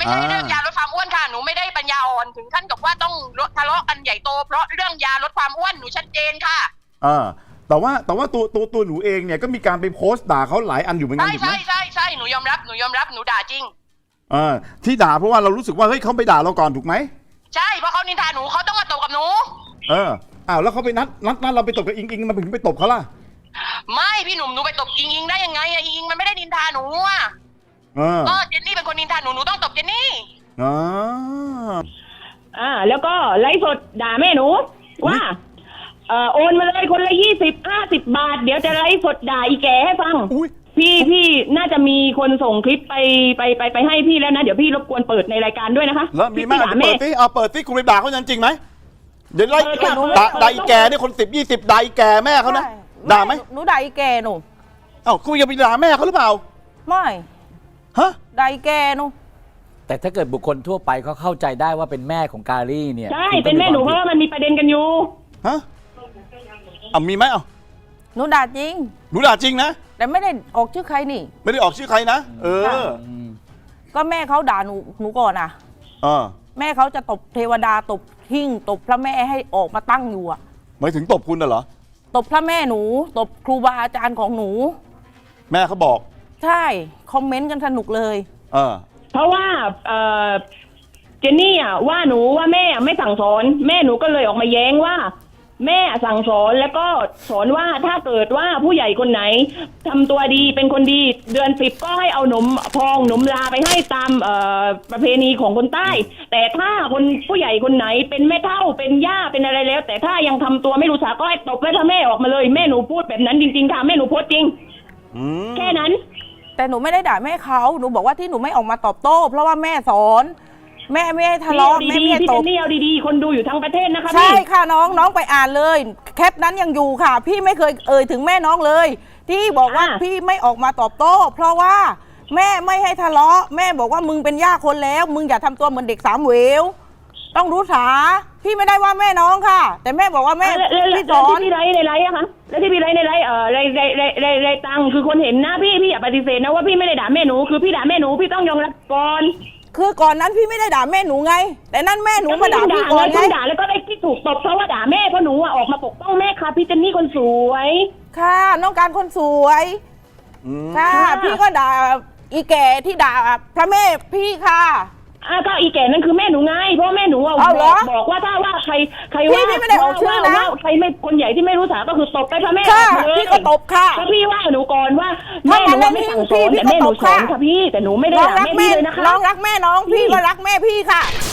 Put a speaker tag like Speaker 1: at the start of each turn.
Speaker 1: ใช่เรื่องยาลดความอ้วนค่ะหนูไม่ได้ปัญญาอ่อนถึงขั้นกับว่าต้องทะเลาะกันใหญ่โตเพราะเรื่องยาลดความอ้วนหนูชัดเจนค่ะ
Speaker 2: แต่ว่าตัวหนูเองเนี่ยก็มีการไปโพสต์ด่าเขาหลายอันอยู่เหมือนกันถูกไหม
Speaker 1: ใช่หนูยอมรับหนูด่าจริง
Speaker 2: ที่ด่าเพราะว่าเรารู้สึกว่าเฮ้ยเขาไปด่าเราก่อนถูกไหม
Speaker 1: ใช่เพราะเขานินทาหนูเขาต้องมาตบกับหนู
Speaker 2: แล้วเขาไปนัดเราไปตบกับอิงมันถึงไปตบเขาล่ะ
Speaker 1: ไม่พี่หนุ่มหนูไปตบอิงได้ยังไงอิงมันไม่ได้นินทาหนูก็เจนนี่เป็นคนนินทาหนูต้องตบเจนนี่
Speaker 3: แล้วก็ไลฟ์สดด่าแม่หนูว่าโอนมาเลยคนละ20-50 บาทเดี๋ยวจะไลฟ์สดด่าอีแก่ให้ฟังพี่น่าจะมีคนส่งคลิปไปให้พี่แล้วนะเดี๋ยวพี่รบกวนเปิดในรายการด้วยนะคะ
Speaker 2: แล้วมีมากเปิดสิคุณไปด่าเขาจริงไหมเดี๋ยวไล่ด่าอีแก่นี่คน10-20ด่าอีแก่แม่เขานะด่าไหม
Speaker 4: หนูด่าอีแก่หนู
Speaker 2: คุณจะไปด่าแม่เขาหรือเปล่า
Speaker 4: ไม่ด่าอีแก่หนู
Speaker 5: แต่ถ้าเกิดบุคคลทั่วไปเขาเข้าใจได้ว่าเป็นแม่ของการีเนี่ย
Speaker 3: ใช่เป็นแม่หนูเพราะว่ามันมีประเด็นกันอยู่
Speaker 2: มีไหม
Speaker 4: หนูด่าจริง
Speaker 2: หนูด่าจริงนะ
Speaker 4: แต่ไม่ได้ออกชื่อใครนี่
Speaker 2: ไม่ได้ออกชื่อใครนะ
Speaker 4: ก็แม่เขาด่าหนูก่อนแม่เขาจะตบเทวดาตบหิ้งตบพระแม่ให้ออกมาตั้งอยู่
Speaker 2: หมายถึงตบคุณเหรอ
Speaker 4: ตบพระแม่หนูตบครูบาอาจารย์ของหนู
Speaker 2: แม่เขาบอก
Speaker 4: ใช่คอมเมนต์กันสนุกเลย
Speaker 3: เพราะว่าเจนนี่ว่าหนูว่าแม่ไม่สั่งสอนแม่หนูก็เลยออกมาแย้งว่าแม่สั่งสอนแล้วก็สอนว่าถ้าเกิดว่าผู้ใหญ่คนไหนทำตัวดีเป็นคนดีเดือน10ก็ให้เอาหนมพองหนมลาไปให้ตามประเพณีของคนใต้แต่ถ้าคนผู้ใหญ่คนไหนเป็นแม่เฒ่าเป็นย่าเป็นอะไรแล้วแต่ถ้ายังทำตัวไม่รู้จักก็ให้ตบแม่พ่อแม่ออกมาเลยแม่หนูพูดแบบนั้นจริงๆค่ะแม่หนูโพสจริงแค่นั้น
Speaker 4: แต่หนูไม่ได้ด่าแม่เขาหนูบอกว่าที่หนูไม่ออกมาตอบโต้เพราะว่าแม่สอนแม่ไม่ให้ทะเลาะแม่ไม่ให้ตบ
Speaker 3: พี่เอาดีๆคนดูอยู่ทั้งประเทศนะคะ
Speaker 4: ใช่ค่ะน้องไปอ่านเลยแคปนั้นยังอยู่ค่ะพี่ไม่เคยถึงแม่น้องเลยที่บอกว่าพี่ไม่ออกมาตอบโต้เพราะว่าแม่ไม่ให้ทะเลาะแม่บอกว่ามึงเป็นย่าคนแล้วมึงอย่าทำตัวเหมือนเด็ก3 เหววต้องรู้ษาพี่ไม่ได้ว่าแม่น้องค่ะแต่แม่บอกว่าแม่
Speaker 3: พี่สอนที่ไรในไรอะคะแล้วที่พี่ไรในไรไรตังคือคนเห็นนะพี่อย่าปฏิเสธนะว่าพี่ไม่ได้ด่าแม่หนูคือพี่ด่าแม่หนูพี่ต้องยอมรับก่อน
Speaker 4: คือก่อนนั้นพี่ไม่ได้ด่าแม่หนูไงแต่นั่นแม่หนูมาด่าพี่ก่อนไง
Speaker 3: ด่าแล้วก็ได้ที่ถูกตบเพราะว่าด่าแม่เพราะหนูออกมาปกป้องแม่ค่ะพี่เจนนี่คนสวย
Speaker 4: ค่ะน้องการคนสวยค่ะพี่ก็ด่าอีแก่ที่ด่าพระแม่พี่ค่ะ
Speaker 3: ก็อีแก่นั่นคือแม่หนูไงเพราะแม่หนูบอกว่าถ้าว่าใครว่า
Speaker 4: พี่ไม่ได้ออกชื่อนะ
Speaker 3: ใครไม่คนใหญ่ที่ไม่รู้สาก็คือตบไปพระแม่
Speaker 4: เลยพี่ก็ตบค่ะ
Speaker 3: ก็พี่ว่าหนูก่อนว่าแม่หนูไม่สั่งสอนแต่แม่หนูสอนค่ะพี่แต่หนูไม่ได้ด่าแม่พี่เลยนะคะ
Speaker 4: น้องรักแม่น้องพี่ก็รักแม่พี่ค่ะ